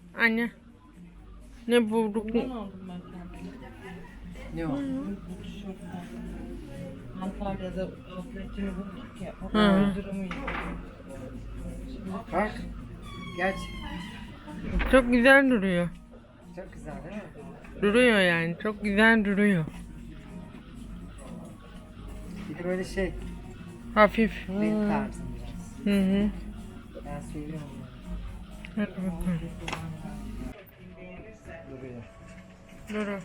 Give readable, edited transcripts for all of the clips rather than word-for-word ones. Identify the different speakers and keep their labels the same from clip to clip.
Speaker 1: Anne. Ne bulduk?
Speaker 2: Bundan aldım ben kendime.
Speaker 3: Ne o?
Speaker 2: Bu tişörtten. Antalya'da outletini bulduk ya. O
Speaker 1: Hı.
Speaker 2: kadar durumu
Speaker 3: Bak. Geç.
Speaker 1: Çok güzel duruyor.
Speaker 3: Çok güzel değil mi?
Speaker 1: Duruyor yani. Çok güzel duruyor.
Speaker 3: Bir de böyle şey.
Speaker 1: Hafif.
Speaker 3: Renk tarzı biraz.
Speaker 1: Hı hı.
Speaker 3: Ben seviyorum.
Speaker 1: Hadi bakalım.
Speaker 3: Duruyor.
Speaker 1: Dur.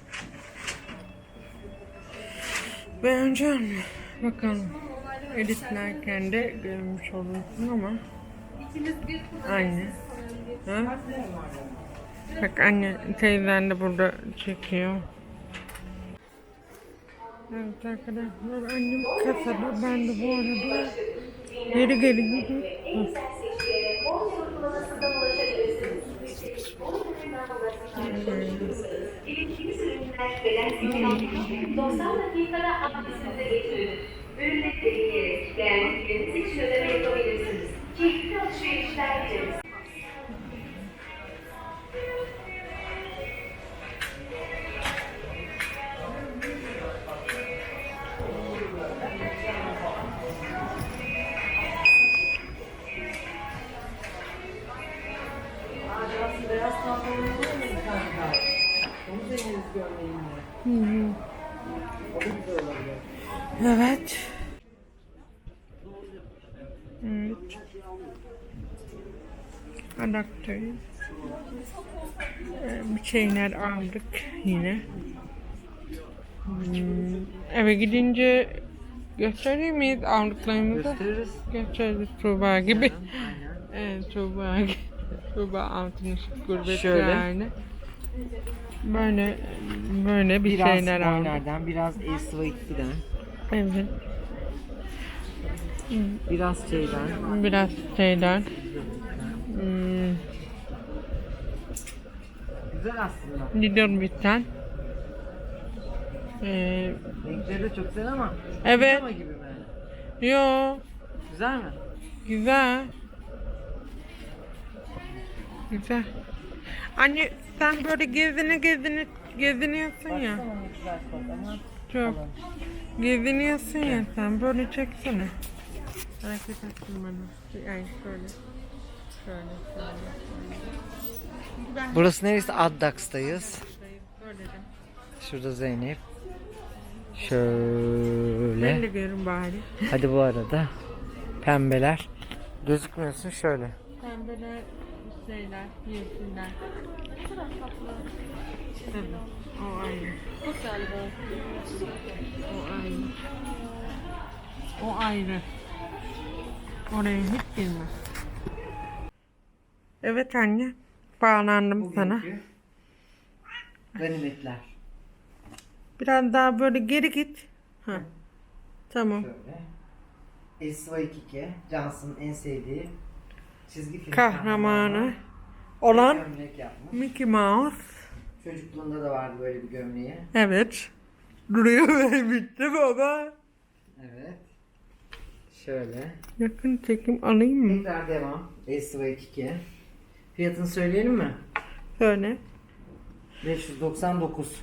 Speaker 1: Beğenecek mi? Bakalım. Editlerken de görmüş olursun ama. Anne. Ha? Bak anne teyzen de burada çekiyor. Evet arkadaşlar annem kasada, ben de bu arada geri gidiyorum.
Speaker 4: İletişim ürünler beden seçeneği 90 dakikada adresinize getirilir. Ürünleri deneyerek beğendikleriniz için ödeme yapabilirsiniz. Çeşitli alışverişler yaparız.
Speaker 3: Beyaz pantolonu var mı kanka? Onu deneriz gömleğinle. O da güzel olabilir.
Speaker 1: Evet. Evet. Adaptörü. Bir şeyler aldık yine. Eve gidince göstereyim miyiz aldıklarımızı?
Speaker 3: Gösteririz.
Speaker 1: Gösteririz Tuğba gibi.
Speaker 3: Aynen.
Speaker 1: Evet Tuğba gibi. Tuğba altın ışık gurbet
Speaker 3: Şöyle.
Speaker 1: yani. Böyle bir
Speaker 3: Biraz
Speaker 1: şeyler aldık.
Speaker 3: Boyner'den, biraz Esva2'den,
Speaker 1: Evet.
Speaker 3: biraz şeyden.
Speaker 1: Biraz şeyler.
Speaker 3: Güzel aslında.
Speaker 1: Lidl bitten.
Speaker 3: Renkleri de çok güzel ama
Speaker 1: Evet.
Speaker 3: pijama gibi mi?
Speaker 1: Yo.
Speaker 3: Güzel mi?
Speaker 1: Güzel. Güzel. Anne sen böyle geziniyorsun ya.
Speaker 3: Baksana ne güzel kot ama
Speaker 1: Çok.
Speaker 3: kalın.
Speaker 1: Geziniyorsun ya sen böyle çeksene. Hareket etsin bana. Yani şöyle. Şöyle. Ben
Speaker 3: Burası neresi? Addax'tayız.
Speaker 1: böyledim.
Speaker 3: Şurada Zeynep.
Speaker 1: Ben
Speaker 3: Şöyle.
Speaker 1: de görün bari.
Speaker 3: Hadi bu arada. Pembeler. Gözükmüyorsun şöyle.
Speaker 1: Pembeler şeyler, yeşiller. Evet, o aynı.
Speaker 2: Çok galiba.
Speaker 1: O aynı. O ayrı. Oraya hiç girme. Evet anne. Bağlandım sana.
Speaker 3: Ganimetler.
Speaker 1: Biraz daha böyle geri git. Ha. Tamam.
Speaker 3: Şöyle. Esva2, Johnson'ın en sevdiği çizgi film
Speaker 1: Kahramanı olan
Speaker 3: gömlek yapmış.
Speaker 1: Mickey Mouse.
Speaker 3: Çocukluğunda da vardı böyle bir gömleği.
Speaker 1: Evet. Duruyor ve bitti baba.
Speaker 3: Evet. Şöyle.
Speaker 1: Yakın çekim alayım mı?
Speaker 3: Tekrar devam. Esva2. Fiyatını söyleyelim mi?
Speaker 1: Söyle.
Speaker 3: 599.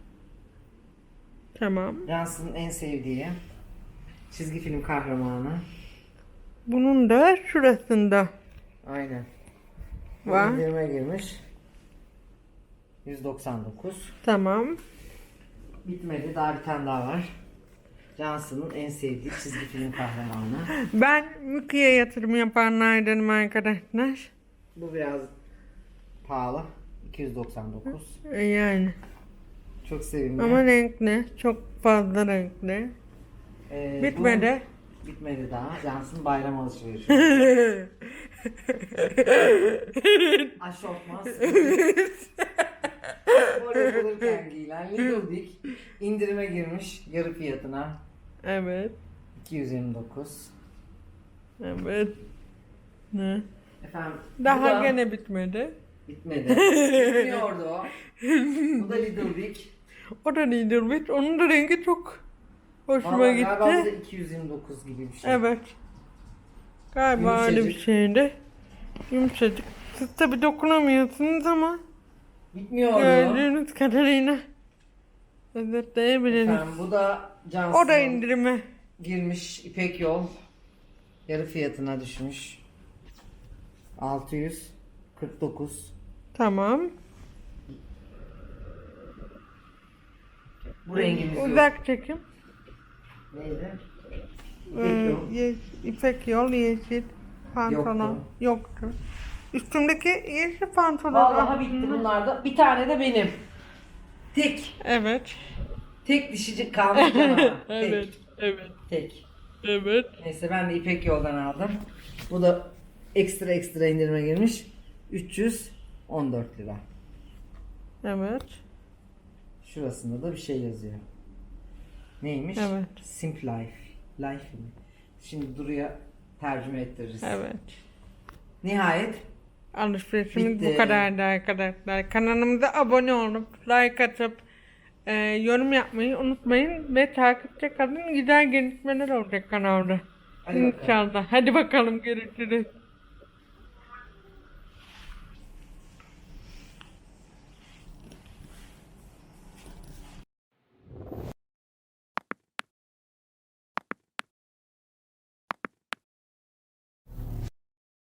Speaker 1: Tamam.
Speaker 3: Johnson'ın en sevdiği çizgi film kahramanı.
Speaker 1: Bunun da şurasında
Speaker 3: Aynen.
Speaker 1: var.
Speaker 3: İndirime girmiş. 199.
Speaker 1: Tamam.
Speaker 3: Bitmedi. Daha bir tane daha var. Johnson'ın en sevdiği çizgi film kahramanı.
Speaker 1: Ben Mickey'e yatırım yapanlardanım arkadaşlar.
Speaker 3: Bu biraz pahalı. 299.
Speaker 1: Yani.
Speaker 3: Çok sevimli.
Speaker 1: Ama renkli. Çok fazla renkli. Bitmedi.
Speaker 3: Bu bitmedi daha. Johnson bayram alışverişi. Aşortman. Spor yapılırken giyilen Little Big indirime girmiş yarı fiyatına.
Speaker 1: Evet.
Speaker 3: 229.
Speaker 1: Evet. Ne?
Speaker 3: Efendim.
Speaker 1: Daha
Speaker 3: bu da
Speaker 1: gene bitmedi.
Speaker 3: bitmedi. Bitmiyordu o. Bu da Little Big.
Speaker 1: O da Little Bit. Onun da rengi çok hoşuma
Speaker 3: Vallahi galiba bu da
Speaker 1: gitti.
Speaker 3: 229 gibi bir şey.
Speaker 1: Evet. Galiba öyle bir
Speaker 3: Yumuşacık.
Speaker 1: şeydi. Yumuşacık. Siz tabi dokunamıyorsunuz ama
Speaker 3: Bitmiyor.
Speaker 1: gördüğünüz kadarıyla özetleyebilirim.
Speaker 3: Efendim, bu da
Speaker 1: O da
Speaker 3: Johnson'a
Speaker 1: indirime.
Speaker 3: girmiş İpek Yol. Yarı fiyatına düşmüş. 649.
Speaker 1: Tamam.
Speaker 3: Bu rengimiz yok.
Speaker 1: Uzak çekim.
Speaker 3: Neydi?
Speaker 1: İpek yol yeşil pantolon yoktu. Üstümdeki yeşil pantolon.
Speaker 3: Vallahi bitti bunlar da. Bir tane de benim. Tek.
Speaker 1: Evet.
Speaker 3: Tek dişicik kalmış canavar.
Speaker 1: Evet. Evet.
Speaker 3: Tek.
Speaker 1: Evet.
Speaker 3: Neyse ben de İpek Yol'dan aldım. Bu da ekstra indirime girmiş. 314 lira.
Speaker 1: Evet.
Speaker 3: Şurasında da bir şey yazıyor. Neymiş?
Speaker 1: Evet.
Speaker 3: Simple Life. Life mi? Şimdi Duru'ya tercüme ettiririz.
Speaker 1: Evet.
Speaker 3: Nihayet
Speaker 1: Alışverişimiz
Speaker 3: Bitti.
Speaker 1: bu kadardı arkadaşlar. Kanalımıza abone olup like atıp yorum yapmayı unutmayın ve takipte kalın. Güzel gelişmeler olacak kanalda.
Speaker 3: Hadi bakalım.
Speaker 1: İnşallah. Hadi bakalım görüşürüz.